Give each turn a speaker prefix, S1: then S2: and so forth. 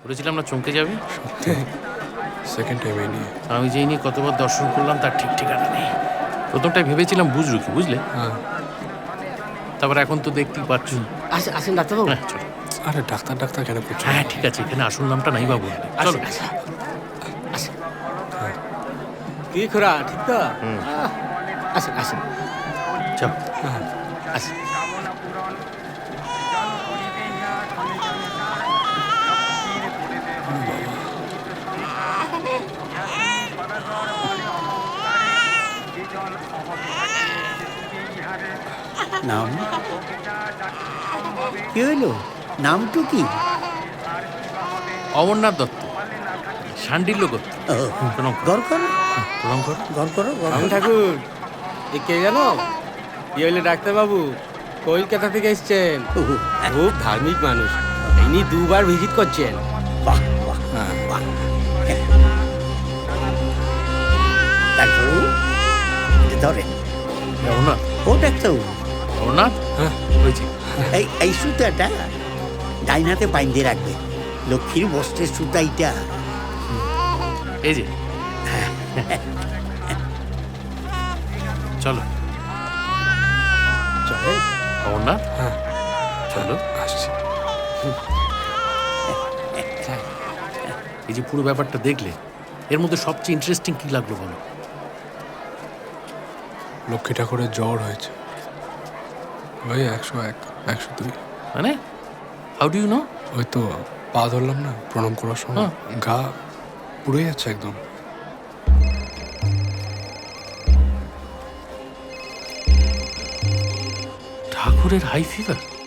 S1: বলেছিলাম না চমকে যাবে।
S2: সত্যি সেকেন্ড টাইম এই নিয়ে।
S1: আমি যেই নিয়ে কতবার দর্শন করলাম তার ঠিক ঠিকানা নেই। প্রথমটাই ভেবেছিলাম বুঝলো কি, বুঝলে?
S2: হ্যাঁ।
S1: তারপর এখন তো দেখতেই পাচ্ছ।
S3: আসেন আসেন ডাক্তারবাবু।
S1: হ্যাঁ চলো।
S2: আরে ডাক্তার ডাক্তার কেন করছো?
S1: হ্যাঁ ঠিক আছে, এখানে আসল নামটা নাই বা বললে। চলো।
S3: আসেন। কি খোরা ঠিক তো? আসেন আসেন
S1: চলো।
S3: আসেন।
S4: নাম কি হইলো? নামটু কি?
S1: অমরনাথ দত্ত, শান্ডিল্য গোত্র। প্রণাম করো।
S4: গড় করো,
S1: প্রণাম করো।
S4: গড় করো, গড়
S3: রাম
S4: করো।
S3: ঠাকুর এ কে জানো? কি হইলে ডাক্তারবাবু? কলকাতা থেকে এসছেন।
S4: ওহো,
S3: খুব ধার্মিক মানুষ। ইনি দুবার ভিজিট করছেন।
S4: বাহ বাহ বাহ। ডাক্তারবাবু, এটা ধরেন।
S1: অমরনাথ।
S4: ও ডাক্তারবাবু,
S1: অমরনাথ। হ্যাঁ হয়েছে।
S4: এই সুতাটা ডাইন হাতে বাইন্ধে রাখবে। লক্ষ্মীর বস্ত্রের সুতা এইটা।
S1: এই যে। চলো
S3: চলেন।
S1: অমরনাথ।
S2: হ্যাঁ
S1: চলো।
S2: আসছি।
S1: এই যে পুরো ব্যাপারটা দেখলে, এর মধ্যে সবচেয়ে ইন্টারেস্টিং কি লাগলো বলো?
S2: লক্ষ্মী ঠাকুরের জ্বর হয়েছে, ওই 101 102।
S1: মানে হাউ ডু ইউ নো?
S2: ওই তো পা ধরলাম না প্রণাম করার সময়, গা পুড়ে যাচ্ছে একদম।
S1: ঠাকুরের হাই ফিভার?